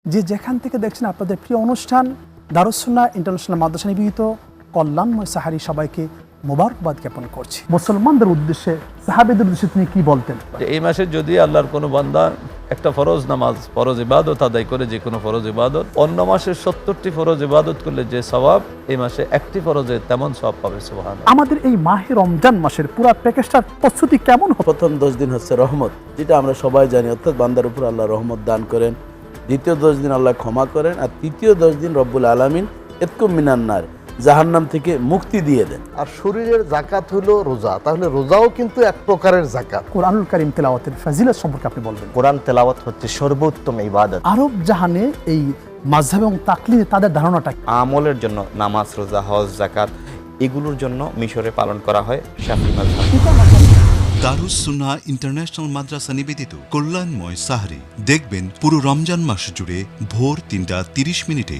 যে যেখান থেকে দেখছেন আপনাদের প্রিয় অনুষ্ঠান দারুস সুন্নাহ ইন্টারন্যাশনাল মাদ্রাসা নিবেদিত কল্যাণময় সাহারি সবাইকে মোবারকবাদ জ্ঞাপন করছি। মুসলমানদের উদ্দেশ্যে সাহাবীদের উদ্দেশ্যে তিনি কি বলতেন? এই মাসে যদি আল্লাহর কোনো বান্দা একটা ফরজ নামাজ, ফরজ ইবাদত আদায় করে, যে কোনো ফরজ ইবাদত, অন্য মাসের 70টি ফরজ ইবাদত করলে যে সওয়াব, এই মাসে একটি ফরজে তেমন সওয়াব পাবে। সুবহানাল্লাহ। আমাদের এই মাহে রমজান মাসের পুরো প্যাকেজটার প্রস্তুতি কেমন হবে? প্রথম 10 দিন হচ্ছে রহমত, যেটা আমরা সবাই জানি, অর্থাৎ বান্দার উপর আল্লাহ রহমত দান করেন। দ্বিতীয় 10 দিন আল্লাহ ক্ষমা করেন। আর তৃতীয় 10 দিন রব্বুল আলামিন ইতকুম মিনান নার, জাহান্নাম থেকে মুক্তি দিয়ে দেন। আর শরীরের জাকাত হলো রোজা, তাহলে রোজাও কিন্তু এক প্রকারের জাকাত। কোরআনুল কারীম তেলাওয়াতের ফাজিলত সম্পর্কে আপনি বলবেন। কোরআন তেলাওয়াত হচ্ছে সর্বোত্তম ইবাদত। আরব জাহানে এই মাযহাব এবং তাকলিদে তাদের ধারণাটা কি? আমলের জন্য নামাজ, রোজা, হজ, যাকাত এগুলোর জন্য মিশরে পালন করা হয় শাফিঈ মাযহাব। দারুস সুন্নাহ ইন্টারন্যাশনাল মাদ্রাসা নিবেদিত কল্যাণময় সাহরি দেখবেন পুরো রমজান মাস জুড়ে ভোর 3টা 30 মিনিটে।